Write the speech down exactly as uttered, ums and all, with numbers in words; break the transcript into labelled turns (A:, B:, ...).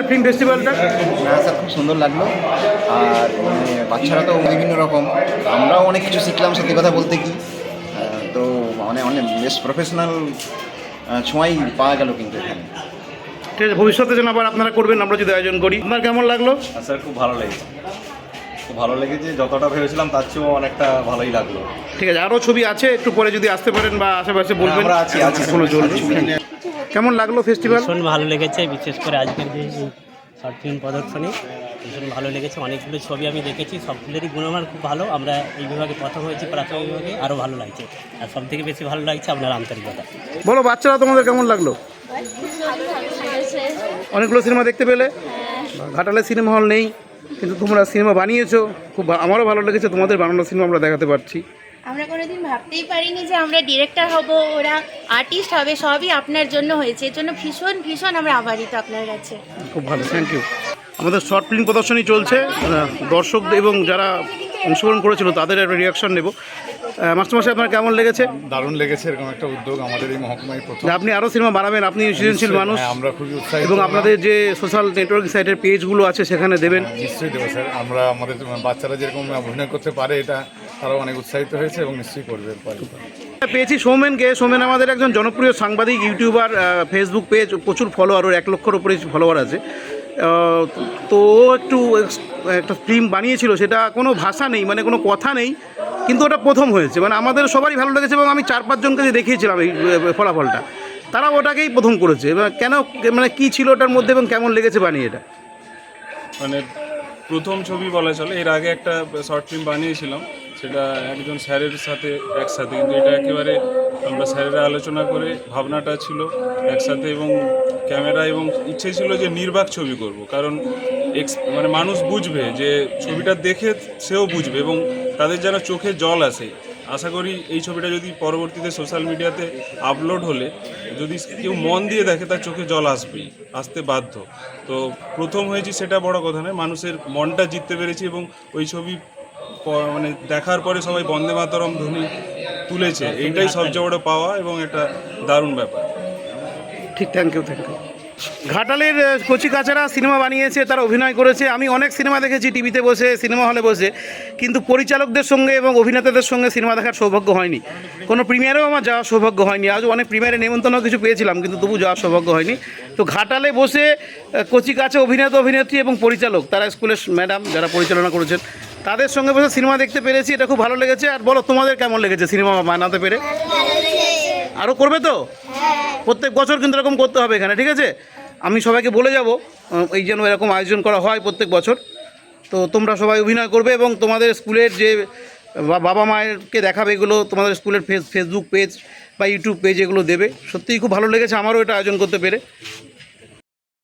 A: Film ফেস্টিভ্যালটা?
B: হ্যাঁ sir, খুব সুন্দর লাগলো। আর মানে বাচ্চারা তো বিভিন্ন রকম, আমরাও অনেক কিছু শিখলাম সত্যি কথা বলতে কি। তো মানে অনেক বেশ প্রফেশনাল ছোঁয়াই পাওয়া গেল কিন্তু এখানে।
A: ঠিক আছে, ভবিষ্যতে যেন আবার আপনারা করবেন, আমরা যদি আয়োজন করি। আপনার কেমন লাগলো?
C: স্যার খুব ভালো লেগেছে, খুব ভালো লেগেছে, যতটা ভেবেছিলাম তার চেয়েও অনেকটা ভালোই লাগলো।
A: ঠিক আছে, আরও ছবি আছে, একটু পরে যদি আসতে পারেন বা আশেপাশে বলবেন।
C: আমরা আছি আছি
A: কোনো চলবে। কেমন লাগলো ফেস্টিভ্যাল?
D: ভীষণ ভালো লেগেছে, বিশেষ করে আজকের যে শর্ট ফিল্ম প্রদর্শনী ভীষণ ভালো লেগেছে। অনেকগুলো ছবি আমি দেখেছি, সবগুলোরই গুণমান খুব ভালো। আমরা এই বিভাগে প্রথম হয়েছি, প্রাথমিক বিভাগে আরও ভালো লাগছে। আর সব থেকে বেশি ভালো লাগছে আপনার আন্তরিকতা।
A: বলো বাচ্চারা, তোমাদের কেমন লাগলো? অনেকগুলো সিনেমা দেখতে পেলে? ঘাটালে সিনেমা হল নেই, কিন্তু তোমরা সিনেমা বানিয়েছো, খুব আমারও ভালো লেগেছে। তোমাদের বানানো সিনেমা আমরা দেখাতে পারছি।
E: আমরা কোনোদিন ভাবতেই পারিনি যে আমরা ডিরেক্টর হব, ওরা আর্টিস্ট হবে, সবই আপনার জন্য হয়েছে। এর জন্য ভীষণ ভীষণ আমরা আভারিত আপনার কাছে।
A: খুব ভালো, থ্যাংক ইউ। আমাদের শর্ট ফিল্ম প্রদর্শনী চলছে, দর্শক এবং যারা অংশগ্রহণ করেছিল তাদের একটা রিয়াকশন নেব। মাস্টারমশাই, আপনার কেমন লেগেছে?
F: দারুণ লেগেছে, এরকম একটা উদ্যোগ আমাদের এই মহকুমায় প্রথম।
A: আপনি আরও সিনেমা বানাবেন, আপনি সৃজনশীল মানুষ।
F: হ্যাঁ, আমরা খুবই উৎসাহিত
A: এবং আপনাদের যে সোশ্যাল নেটওয়ার্কিং সাইটের পেজগুলো আছে সেখানে দেবেন।
F: নিশ্চয়ই দেবো স্যার। আমরা আমাদের বাচ্চারা যেরকম অভিনয় করতে পারে, এটা তারাও অনেক উৎসাহিত হয়েছে এবং নিশ্চয়ই করবে।
A: পেয়েছি সৌমেনকে। সৌমেন আমাদের একজন জনপ্রিয় সাংবাদিক, ইউটিউবার, ফেসবুক পেজ প্রচুর ফলোয়ার, ওর এক লক্ষর উপরে ফলোয়ার আছে। তো ও একটু একটা ফিল্ম বানিয়েছিল, সেটা কোনো ভাষা নেই, মানে কোনো কথা নেই, কিন্তু ওটা প্রথম হয়েছে। মানে আমাদের সবারই ভালো লেগেছে এবং আমি চার পাঁচজনকে যে দেখিয়েছিলাম এই ফলাফলটা, তারা ওটাকেই প্রথম করেছে। কেন, মানে কী ছিল ওটার মধ্যে এবং কেমন লেগেছে বানিয়ে এটা?
G: মানে প্রথম ছবি বলা চলে। এর আগে একটা শর্ট ফিল্ম বানিয়েছিলাম, সেটা একজন স্যারের সাথে একসাথে, কিন্তু এটা একেবারে আমরা স্যারেরা আলোচনা করে ভাবনাটা ছিল একসাথে, এবং ক্যামেরা এবং ইচ্ছে ছিল যে নির্বাক ছবি করব, কারণ এক্স মানে মানুষ বুঝবে, যে ছবিটা দেখে সেও বুঝবে এবং তাদের যেন চোখে জল আসে। আশা করি এই ছবিটা যদি পরবর্তীতে সোশ্যাল মিডিয়াতে আপলোড হলে যদি কেউ মন দিয়ে দেখে, তার চোখে জল আসবেই, আসতে বাধ্য। তো প্রথম হয়েছি সেটা বড় কথা নয়, মানুষের মনটা জিততে পেরেছি এবং ওই ছবি মানে দেখার পরে সবাই বন্দে মাতরম ধ্বনি তুলেছে, এইটাই সবচেয়ে বড় পাওয়া এবং একটা দারুণ ব্যাপার।
A: ঠিক, থ্যাংক ইউ, থ্যাংক ইউ। ঘাটালের কচি কাচারা সিনেমা বানিয়েছে, তারা অভিনয় করেছে। আমি অনেক সিনেমা দেখেছি টিভিতে বসে, সিনেমা হলে বসে, কিন্তু পরিচালকদের সঙ্গে এবং অভিনেতাদের সঙ্গে সিনেমা দেখার সৌভাগ্য হয়নি। কোনো প্রিমিয়ারেও আমার যাওয়ার সৌভাগ্য হয়নি। আজও অনেক প্রিমিয়ারে নেমন্তন্ন কিছু পেয়েছিলাম, কিন্তু তবু যাওয়ার সৌভাগ্য হয়নি। তো ঘাটালে বসে কচি কাচা অভিনেতা, অভিনেত্রী এবং পরিচালক, তারা স্কুলের ম্যাডাম যারা পরিচালনা করেছেন, তাদের সঙ্গে বসে সিনেমা দেখতে পেরেছি, এটা খুব ভালো লেগেছে। আর বলো, তোমাদের কেমন লেগেছে সিনেমা বানাতে পেরে? আরও করবে তো? প্রত্যেক বছর কিন্তু এরকম করতে হবে এখানে, ঠিক আছে? আমি সবাইকে বলে যাব এই যেন এরকম আয়োজন করা হয় প্রত্যেক বছর। তো তোমরা সবাই অভিনয় করবে এবং তোমাদের স্কুলের যে বাবা মায়েরকে দেখাবে, এগুলো তোমাদের স্কুলের ফেস ফেসবুক পেজ বা ইউটিউব পেজ এগুলো দেবে। সত্যিই খুব ভালো লেগেছে আমারও এটা আয়োজন করতে পেরে।